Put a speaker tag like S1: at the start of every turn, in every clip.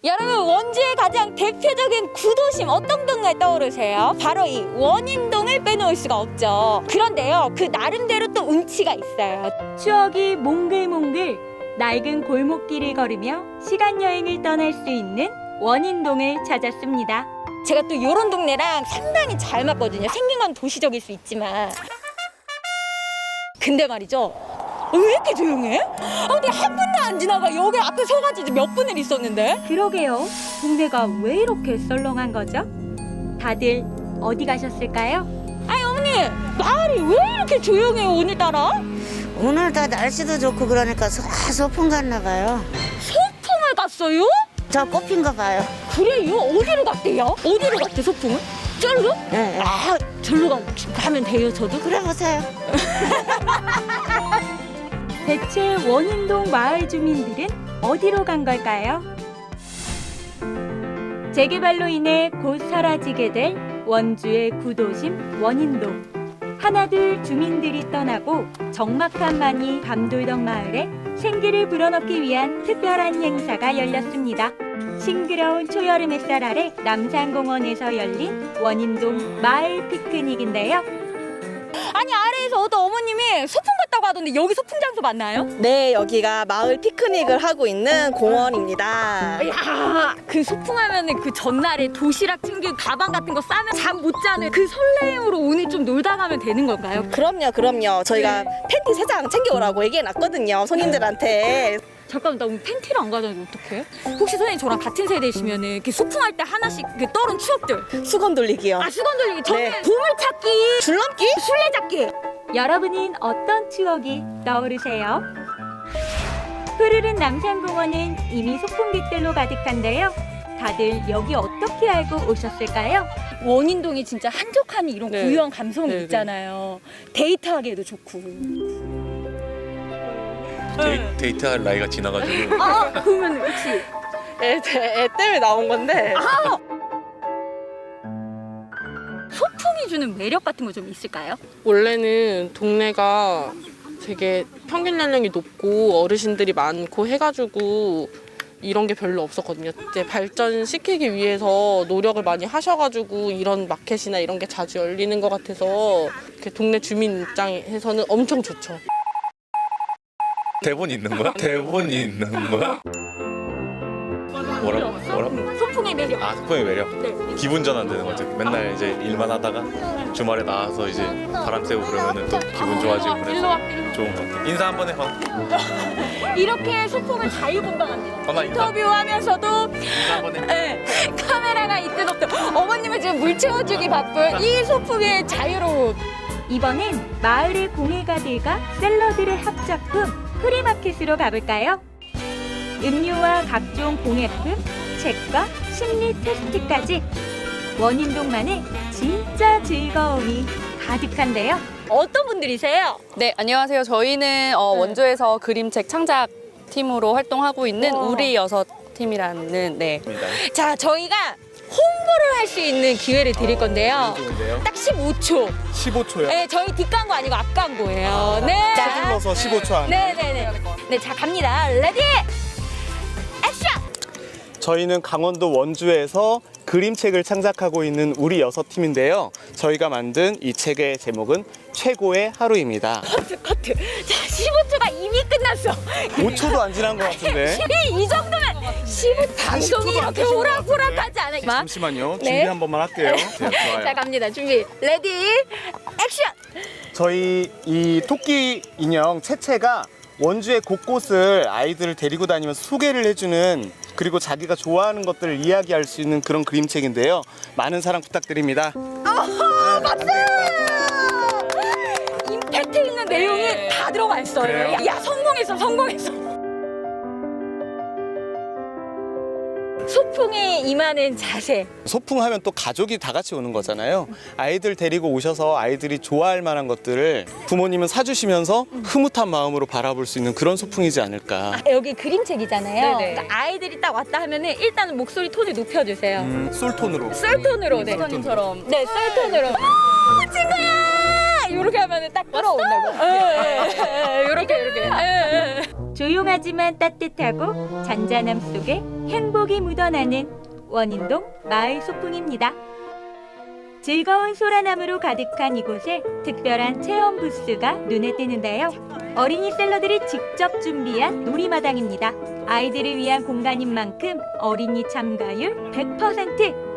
S1: 여러분, 원주의 가장 대표적인 구도심 어떤 동네 떠오르세요? 바로 이 원인동을 빼놓을 수가 없죠. 그런데요, 그 나름대로 또 운치가 있어요.
S2: 추억이 몽글몽글 낡은 골목길을 걸으며 시간 여행을 떠날 수 있는 원인동을 찾았습니다.
S1: 제가 또 이런 동네랑 상당히 잘 맞거든요. 생긴 건 도시적일 수 있지만. 근데 말이죠, 왜 이렇게 조용해? 근데 한 분도 안 지나가. 여기 앞에 서가지고 몇 분을 있었는데.
S2: 그러게요. 동네가 왜 이렇게 썰렁한 거죠? 다들 어디 가셨을까요?
S1: 아니 어머니, 마을이 왜 이렇게 조용해요 오늘따라?
S3: 오늘 다 날씨도 좋고 그러니까 소풍 갔나 봐요.
S1: 소풍을 갔어요?
S3: 저 꽃핀가 봐요.
S1: 그래요? 어디로 갔대요? 어디로 갔대 소풍은? 저로?
S3: 예, 예.
S1: 아, 절로 가면 돼요 저도?
S3: 그래 보세요.
S2: 대체 원인동 마을 주민들은 어디로 간 걸까요? 재개발로 인해 곧 사라지게 될 원주의 구도심 원인동. 하나둘 주민들이 떠나고 적막함만이 밤돌던 마을에 생기를 불어넣기 위한 특별한 행사가 열렸습니다. 싱그러운 초여름 햇살 아래 남산공원에서 열린 원인동 마을 피크닉인데요.
S1: 아니 아래에서 어떤 어머님이 소풍 갔다고 하던데 여기 소풍 장소 맞나요?
S4: 네, 여기가 마을 피크닉을 하고 있는 공원입니다.
S1: 야, 그 소풍하면은 그 전날에 도시락 챙기고 가방 같은 거 싸면 잠 못 자는 그 설레임으로 오늘 좀 놀다 가면 되는 건가요?
S4: 그럼요. 저희가 팬티 3장 챙겨오라고 얘기해놨거든요, 손님들한테.
S1: 잠깐만, 나 오늘 팬티를 안 가져가면 어떡해? 혹시 선생님 저랑 같은 세대시면은 이렇게 소풍할 때 하나씩 그 떠오른 추억들.
S4: 수건 돌리기요.
S1: 아, 수건 돌리기. 저는
S4: 네.
S1: 보물찾기,
S4: 줄넘기?
S1: 술래잡기.
S2: 여러분은 어떤 추억이 떠오르세요? 푸르른 남산공원은 이미 소풍객들로 가득한데요. 다들 여기 어떻게 알고 오셨을까요?
S1: 원인동이 진짜 한적함이 이런
S4: 네.
S1: 고유한 감성이
S4: 네, 네.
S1: 있잖아요. 데이트하기에도 좋고.
S5: 데이트할 나이가 지나가지고
S1: 아, 그러면 혹시
S4: 애 때문에 나온 건데.
S1: 소풍이 주는 매력 같은 거 좀 있을까요?
S6: 원래는 동네가 되게 평균 연령이 높고 어르신들이 많고 해가지고 이런 게 별로 없었거든요. 이제 발전시키기 위해서 노력을 많이 하셔가지고 이런 마켓이나 이런 게 자주 열리는 것 같아서 이렇게 동네 주민 입장에서는 엄청 좋죠.
S5: 대본이 있는 거야? 대본이 있는 거야? 뭐라고?
S1: 소풍의 매력.
S5: 아, 소풍의 매력.
S1: 네.
S5: 기분 전환되는 거죠. 맨날 이제 일만 하다가 주말에 나와서 이제 바람 쐬고 그러면은 또 기분 좋아지고
S1: 일로
S5: 그래서
S1: 와, 일로 와.
S5: 좋은 것 같아. 인사 한번 해.
S1: 이렇게 소풍을 자유분방합니다.
S5: 나 인사
S1: 인터뷰하면서도
S5: 한번 해.
S1: 네, 카메라가 있든 없든 어머님은 지금 물 채워주기 바쁜 이 소풍의 자유로움.
S2: 이번엔 마을의 공예가들과 샐러드를 합작품 프리마켓으로 가볼까요? 음료와 각종 공예품, 책과 심리 테스트까지 원인동만의 진짜 즐거움이 가득한데요.
S1: 어떤 분들이세요?
S7: 네, 안녕하세요. 저희는 원주에서 그림책 창작 팀으로 활동하고 있는
S1: 우와.
S7: 우리 여섯 팀이라는 네.
S1: 자, 저희가 홍보를 할 수 있는 기회를 드릴 건데요. 딱 15초.
S8: 15초요.
S1: 네, 저희 뒷광고 아니고 앞광고예요. 네.
S8: 서둘러서 15초 안에.
S1: 네네네. 네, 자, 갑니다. 레디! 액션!
S8: 저희는 강원도 원주에서 그림책을 창작하고 있는 우리 여섯 팀인데요. 저희가 만든 이 책의 제목은 최고의 하루입니다.
S1: 커트. 자, 15초가 이미 끝났어.
S8: 5초도 안 지난 것 같은데.
S1: 이 정도면 15 방송이 이렇게 오락오락하지 않아요.
S8: 잠시만요.
S1: 네.
S8: 준비 한 번만 할게요. 네, 좋아요.
S1: 자, 갑니다. 준비. 레디, 액션!
S8: 저희 이 토끼 인형 채채가 원주의 곳곳을 아이들을 데리고 다니면서 소개를 해주는, 그리고 자기가 좋아하는 것들을 이야기할 수 있는 그런 그림책인데요. 많은 사랑 부탁드립니다.
S1: 임팩트 있는 내용이 다 들어가 있어요.
S8: 그래요?
S1: 야, 성공했어, 성공했어. 소풍에 임하는 자세.
S8: 소풍하면 또 가족이 다 같이 오는 거잖아요. 아이들 데리고 오셔서 아이들이 좋아할 만한 것들을 부모님은 사주시면서 흐뭇한 마음으로 바라볼 수 있는 그런 소풍이지 않을까.
S1: 여기 그림책이잖아요.
S7: 네네.
S1: 그러니까 아이들이 딱 왔다 하면은 일단 목소리 톤을 높여주세요.
S8: 솔톤으로.
S1: 썰톤으로. 네.
S7: 선생님처럼
S1: 네, 썰톤으로. 친구야! 이렇게 하면은 딱 끌어온다고. 이렇게.
S2: 조용하지만 따뜻하고 잔잔함 속에 행복이 묻어나는 원인동 마을 소풍입니다. 즐거운 소라나무로 가득한 이곳에 특별한 체험 부스가 눈에 띄는데요. 어린이 셀러들이 직접 준비한 놀이마당입니다. 아이들을 위한 공간인 만큼 어린이 참가율 100%!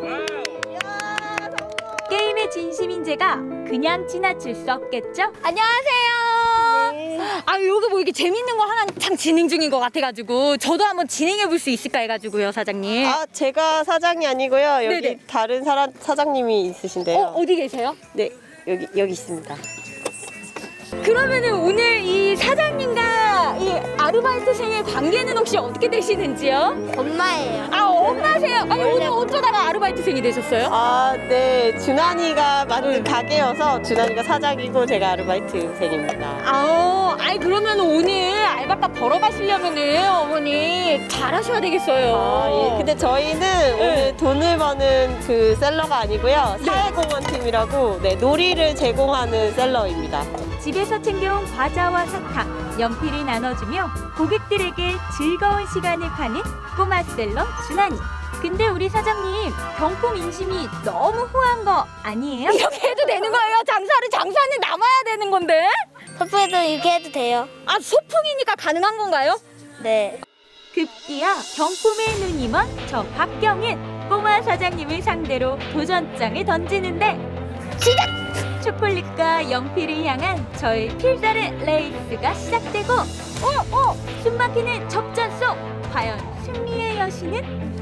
S2: 게임의 진심인 제가 그냥 지나칠 수 없겠죠?
S1: 안녕하세요. 아, 여기 뭐 이렇게 재밌는 거 한창 진행 중인 것 같아가지고 저도 한번 진행해 볼 수 있을까 해가지고요, 사장님.
S9: 아, 제가 사장이 아니고요. 여기
S1: 네네.
S9: 다른 사장님이 있으신데요.
S1: 어디 계세요?
S9: 네, 여기 있습니다.
S1: 그러면은 오늘 이 사장님과 이 아르바이트생의 관계는 혹시 어떻게 되시는지요?
S3: 엄마예요.
S1: 아, 엄마세요? 아니, 오늘 어쩌다가 아르바이트생이 되셨어요?
S9: 아, 네. 준환이가 만든 가게여서 준환이가 사장이고 제가 아르바이트생입니다.
S1: 아니 그러면 오늘 알바값 벌어가시려면은 어머니 잘하셔야 되겠어요.
S9: 아, 예. 근데 저희는 오늘 돈을 버는 그 셀러가 아니고요. 사회공헌팀이라고 네, 놀이를 제공하는 셀러입니다.
S2: 집에서 챙겨온 과자와 사탕, 연필을 나눠주며 고객들에게 즐거운 시간을 파는 꼬마 셀러 준하니. 근데 우리 사장님 경품 인심이 너무 후한 거 아니에요?
S1: 이렇게 해도 되는 거예요? 장사는 남아야 되는 건데?
S3: 소풍에도 이렇게 해도 돼요.
S1: 아, 소풍이니까 가능한 건가요?
S3: 네.
S2: 급기야 경품에 눈이 먼 저 박경은 꼬마 사장님을 상대로 도전장을 던지는데 시작! 초콜릿과 연필을 향한 저의 필살의 레이스가 시작되고 숨막히는 접전 속 과연 승리의 여신은?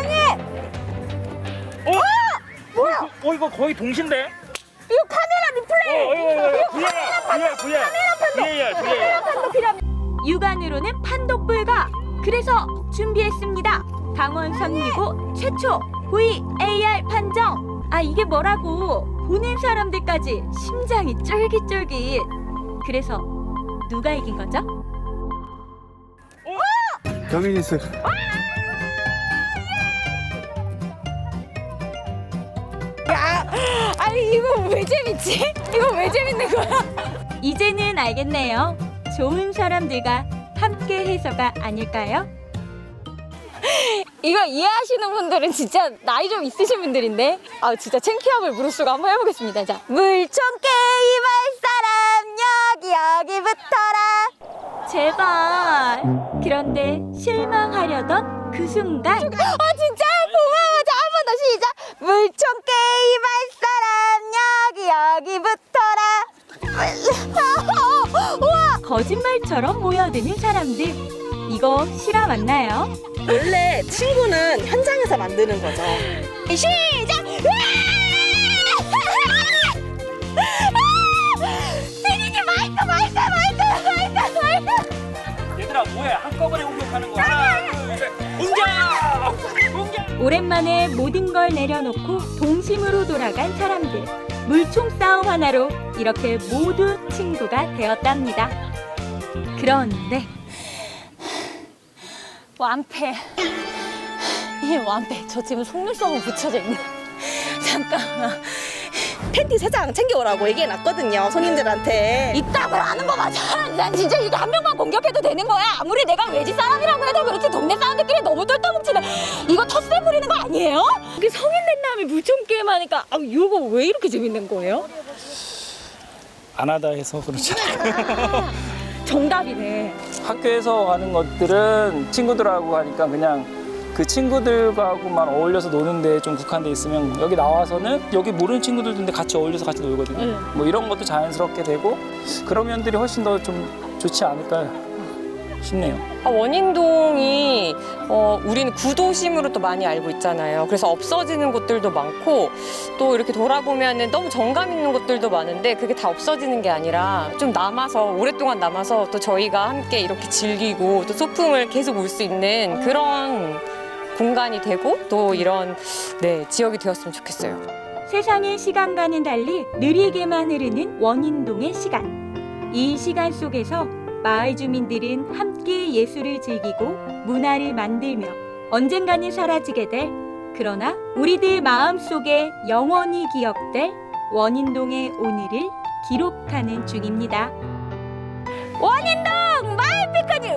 S10: 이거 거의 동시인데?
S1: 이거 카메라 리플레이!
S10: VAR.
S2: 육안으로는 판독 불가. 그래서 준비했습니다. 강원 선미고 최초 VAR 판정. 아, 이게 뭐라고? 보는 사람들까지 심장이 쫄깃쫄깃. 그래서 누가 이긴 거죠?
S8: 경인이스.
S1: 아니, 이거 왜 재밌지? 이거 왜 재밌는 거야?
S2: 이제는 알겠네요. 좋은 사람들과 함께 해서가 아닐까요?
S1: 이거 이해하시는 분들은 진짜 나이 좀 있으신 분들인데, 아, 진짜 창피함을 무릅쓰고 한번 해보겠습니다. 자, 물총 게임할 사람 여기 붙어라.
S2: 제발. 그런데 실망하려던 그 순간
S1: 아, 진짜 고마워. 자, 한 번 더 시작. 물총 게임할 사람 여기 붙어라. 우와.
S2: 거짓말처럼 모여드는 사람들. 이거 실화 맞나요?
S4: 원래 친구는 현장에서 만드는 거죠.
S1: 시작. 세진이 마이크.
S10: 얘들아 뭐해? 한꺼번에 공격하는 거야. 하나, 둘, 셋. 공격!
S2: 오랜만에 모든 걸 내려놓고 동심으로 돌아간 사람들. 물총 싸움 하나로 이렇게 모두 친구가 되었답니다. 그런데
S1: 완패. 이 완패. 저 지금 속눈썹은 붙여져 있네. 잠깐만.
S4: 팬티 3장 챙겨오라고 얘기해놨거든요, 손님들한테.
S1: 이따구로 하는 거 맞아. 난 진짜 이거 한 명만 공격해도 되는 거야. 아무리 내가 외지 사람이라고 해도 그렇지 동네 사람들끼리 너무 똘똘뭉치네. 이거 텃세 부리는 거 아니에요? 이게 성인 된 다음에 물총 게임 하니까 이거 왜 이렇게 재밌는 거예요?
S10: 안 하다 해서 그렇지.
S1: 정답이네.
S10: 학교에서 하는 것들은 친구들하고 하니까 그냥 그 친구들하고만 어울려서 노는데 좀 국한돼 있으면 여기 나와서는 여기 모르는 친구들인데 같이 어울려서 같이 놀거든요. 뭐 이런 것도 자연스럽게 되고 그런 면들이 훨씬 더 좀 좋지 않을까 싶네요.
S11: 원인동이 우리는 구도심으로 또 많이 알고 있잖아요. 그래서 없어지는 곳들도 많고 또 이렇게 돌아보면은 너무 정감 있는 곳들도 많은데 그게 다 없어지는 게 아니라 좀 남아서 오랫동안 남아서 또 저희가 함께 이렇게 즐기고 또 소풍을 계속 올 수 있는 그런 공간이 되고 또 이런 지역이 되었으면 좋겠어요.
S2: 세상의 시간과는 달리 느리게만 흐르는 원인동의 시간. 이 시간 속에서 마을 주민들은 함께 예술을 즐기고 문화를 만들며 언젠가는 사라지게 될, 그러나 우리들 마음속에 영원히 기억될 원인동의 오늘을 기록하는 중입니다.
S1: 원인동 마을 피크닉